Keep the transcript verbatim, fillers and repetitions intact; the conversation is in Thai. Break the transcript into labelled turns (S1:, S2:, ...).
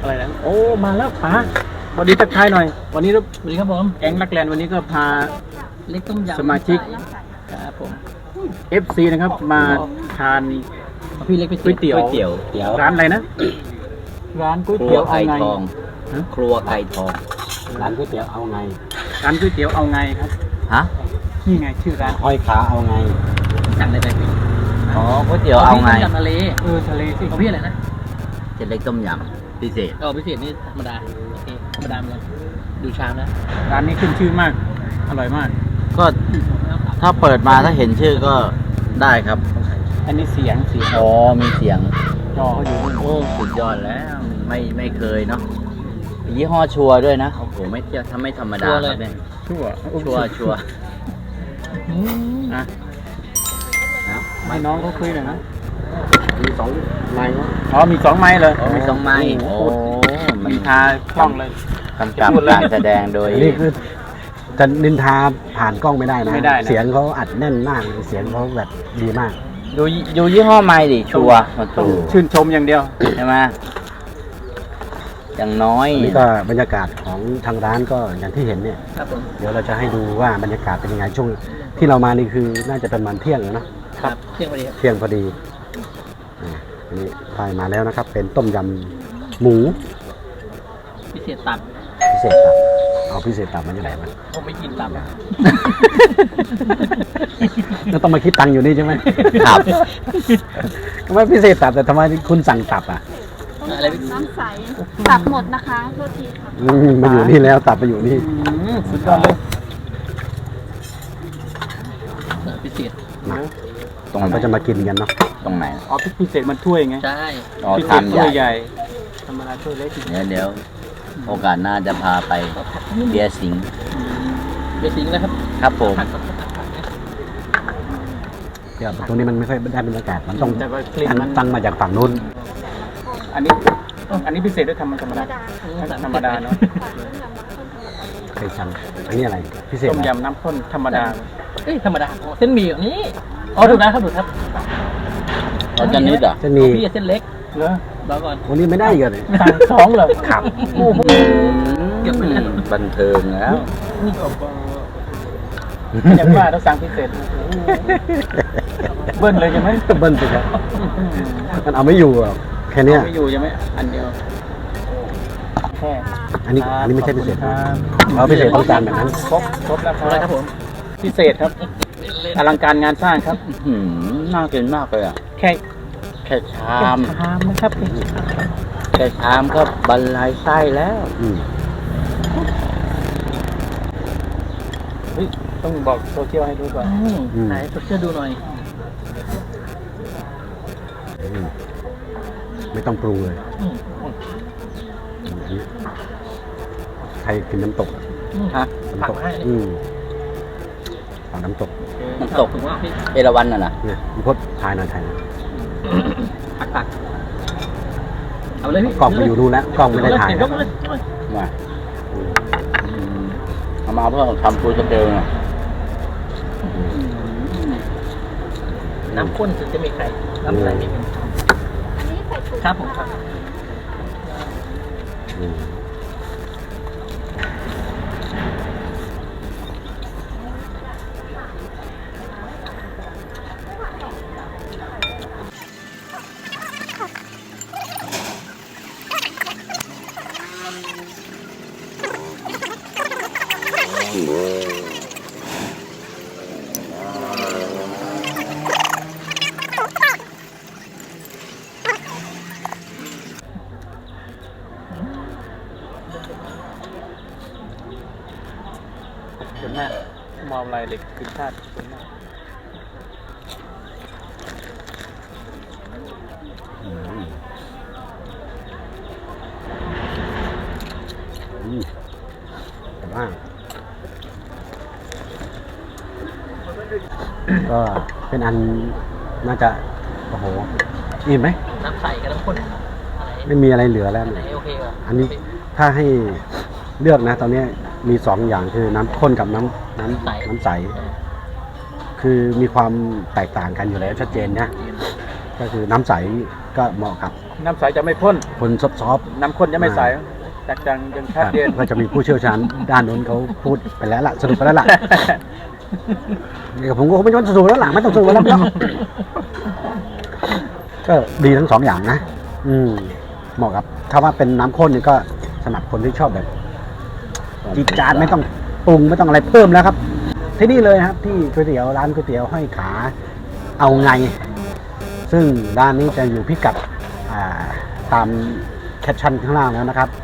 S1: อะไรนะ
S2: โอ้มาแล้วป๋าสวัสดีทักทายหน่อยวันนี้
S1: สวัสดีครับผม
S2: แก๊งรักแลนด์วันนี้ก็พา
S1: เล็กต้มยำ
S2: สมาชิก
S1: ครับผม
S2: เอฟ ซี นะครับมาทาน
S1: เอาพี่เล็กไป
S2: ก๋วยเตี๋ยว
S3: ก๋วยเตี๋ยวเตี๋ยว
S2: ร้านอะไรนะร้านก๋วย
S3: ครั
S2: เตี๋
S3: ว
S2: ยวเอา
S3: ไก่
S2: ไง
S3: ทอง
S2: ฮะ
S3: ครัวไก่ทอง
S4: ร้านก๋วยเตี๋ยวเอาไง
S2: ร้านก๋วยเตี๋ยวเอาไงครับ
S3: ฮะ
S2: นี่ไงชื่อร้าน
S4: ห้อยขาเอาไง
S1: สั่งอะไรไปพี่
S3: อ๋อก๋วยเตี๋ยวเอาไง
S1: พี่ต้มยำทะเล
S2: เออทะเลสิ
S1: ของพี่อะไรนะ
S3: เส้นเล็กต้มยำพิเศษ
S1: เอาพิเศษนี่ธรรมดาโอเคธรรมดาเหมือนกันดูชามนะ
S2: ร้านนี้ขึ้นชื่อมากอร่อยมาก
S3: ก็ถ้าเปิดมาถ้าเห็นชื่อก็ได้ครับ
S2: อันนี้เสียงเสียง
S3: อ๋อมีเสียง
S2: จอเขาอยู่นู่น
S3: โอ้สุดยอดแล้ว ไม่ไม่เคยเนาะยี่ห้อชัวร์ด้วยนะโอ้โหไม่เที่ยวถ้าไม่ธรรมดาครับเนี่ย
S2: ชั่ว
S3: ชัวร์ชัวร์
S1: อืม
S2: อ่ะ
S3: นะ
S2: ให้น้องเขาคุยหน่อยนะ
S4: มีสองไม้เนาะ
S2: อ๋อมีสองไม้เลย
S3: โอ้มีสองไม้โอ้มั
S2: มี
S3: น
S2: ทาคล่องเลย
S3: กำกับการแสดงโดย
S4: อันนี้คือจะนินทาผ่านกล้องไม่ได้นะ
S2: ไม่ได้นะ
S4: เสียงเขาอัดแน่นมากเสียงเขาแบบดีมาก
S3: ดูดูยี่ห้อไม้ดิชัวร์มา
S2: ต้อ
S3: ตู
S2: งชื่นชมอย่างเดียว
S3: ใช่ไหมอย่างน้อย
S4: อันนี้ก็บรรยากาศของทางร้านก็อย่างที่เห็นเนี่ย
S1: ครับผม
S4: เดี๋ยวเราจะให้ดูว่าบรรยากาศเป็นยังไงช่วงที่เรามานี่คือน่าจะเป็นวันเที่ยงแล้วเนอะ
S1: ครับเที่ยงพอดีครับ
S4: เที่ยงพอดีอ่าอันนี้พายมาแล้วนะครับ เป็นต้มยำหมู
S1: พิเศษตับ
S4: พิเศษตับเอาพิเศษตับมันจะไหนมัน
S1: ผมไม่กินตับ
S4: แล้วต้องมาคิดตังค์อยู่นี่ใช่ไหม
S3: ครับ
S4: ทำไมพิเศษตับแต่ทำไมคุณสั่งตับอ่ะ
S1: อะไรพี่
S5: น้ำใสตับหมดนะคะโทษทีค่ะ
S4: อืมมาอยู่นี่แล้วตับมาอยู่นี่
S2: อืมสุดยอดเลย
S1: พิเศษ
S4: มา
S3: ตรง
S4: เรา
S3: ไหน
S4: ก็จะมากินกันเนาะ
S3: ตรงไหน
S2: อ๋อพิเศษมันถ้วยไง
S1: ใช่
S3: อ๋อ
S2: พิเศ
S3: ทา
S2: ษ
S3: น
S2: ถ้วย
S3: ให
S2: ให
S3: ญ่
S2: ญ่ธรรมดาถ้วยเล็ก
S3: เดี๋ยวเดี๋ยวโอกาสหน้าจะพาไปเบียร์สิงห์
S1: เบสิงนะครับ
S3: ครับผม
S1: ผักกับผักผักนะ
S4: เดี๋ยวตรงนี้มันไม่ค่อยได้บรรยากาศมันต้อง
S2: แต่ว่ากลิ่นมัน
S4: ตั้งมาจากฝั่งนู้น
S2: อันนี้อันนี้พิเศษด้วยธรรมธรรมดาธรรมดาเนาะ
S4: เคยสั่งอันนี้อะไรพิเศษ
S2: ต้ม
S4: อะไร
S2: ยำน้ำข้นธรรมดา
S1: เอ้ยธรรมดาอ๋อเส้นหมี่แบบนี้อ๋อถูกนะครับถูกครับ
S3: เราจะนิดเหรอ
S4: จะมี
S1: พี่เส้นเล็ก
S2: เหรอ
S1: รอก่อน
S4: วันนี้ไม่ได้อีกันเลย
S2: สั่งสองเหรอ
S4: ครับ
S2: โอ้โห
S1: เก็บไปแล้ว
S3: บันเทิงแล้ว
S2: นี่ก็อย่างว่าต้องสั่งพิเศษโอ้โหเบิ้ลเลยใช่ไหม
S4: เบิ้ลไปครับมันเอาไม่อยู่หรอกแค่เนี้ย
S2: ไม่อยู่ใช่ไหมอันเดียวแค่
S4: อันนี้อันนี้ไม่ใช่พิเศษ
S2: ครั
S4: นะ
S2: บ
S4: เอาพิเศษต้องการแบบนั้น
S2: ครบครบแล้วค
S1: อะไรค
S2: รั
S1: รั
S2: บบ
S1: ผม
S2: พิเศษครับอลังการงานสร้างครับ
S3: หืมน่ากินมากเลยอ่ะ
S2: แค่
S3: แค่ชา
S2: แค่
S3: ม
S2: ชามนะครับ
S3: แค่ชามก็บรรลัยไส้แล้ว
S4: อืม
S2: เฮ้ยต้องบอกโซเชียลให้ดูก่อน
S1: อืมไหนตัวเชื่อดูหน่อย
S4: อืมไม่ต้องปรุงเลย
S1: อืม
S4: อันนี้ใครกินน้ำตก
S1: อืม
S2: ฮะ
S4: น้ำตก
S1: ผักให้
S4: อืมฝั่งน้ำตก
S3: น้ำตก
S1: ถึงว่าพี่
S3: เอราวัณน่ะนะ
S4: เนี่ยพี่พดถ่ายหน่อยถ่ายหน่อย
S1: ผักตักเอาเลยพี่
S4: กล้องไปอยู่นู่นแล้วกล้องไม่ได้ถ่าย
S1: เก็บ
S4: นะ
S1: ไว้เลยเก็บไว้เลย
S3: มาอืมเอามาเพื่อทำฟูสเตลน่ะ
S1: น้ำข้นถึงจะมีไข่น้ำใสไม่มี
S5: อันนี้ใส่ถุง
S1: ครับผมครับ
S4: อืม
S2: เห็นหน้ามองอะไรเด็กกินชาติเห็นหน้า
S4: อืมอืมแต่ว่าก็เป็นอันน่าจะโอ้โหอิ่มไหม
S1: น้ำใสกับน้ำข้นอะไร
S4: ไม่มีอะไรเหลือแล้ว
S1: อันไหน
S4: เนี่ย
S1: โอเคกว่า
S4: อันนี้ถ้าให้เลือกนะ ตอนนี้มีสองอย่างคือน้ำข้นกับน้ำน้ำน้ำใส คือมีความแตกต่างกันอยู่แล้วชัดเจนนะก็คือน้ำใสก็เหมาะกับค
S2: น้ำใสจะไม่ข้น
S4: คนซอฟ
S2: น้ำข้นจะไม่ใสจากจังยัง
S4: ๆ
S2: ชัดเจน
S4: ก็จะมีผู้เชี่ยวชาญด้านนู้นเขาพูดไปแล้วล่ะสรุปไปแล้วล่ะนี่กับผมก็ไม่ต้องสรุปแล้วล่ะไม่ต้องสรุปแล้วล่ะก็ดีทั้งสองอย่างนะอืมเหมาะกับถ้าว่าเป็นน้ำข้นนี่ก็สำหรับคนที่ชอบแบบจีดจานไม่ต้องปรุงไม่ต้องอะไรเพิ่มแล้วครับ ที่นี่เลยครับที่ก๋วยเตี๋ยวร้านก๋วยเตี๋ยวห้อยขาเอาไง ซึ่งร้านนี้จะอยู่พิกัดอ่าตามแคปชั่นข้างล่างแล้วนะครับ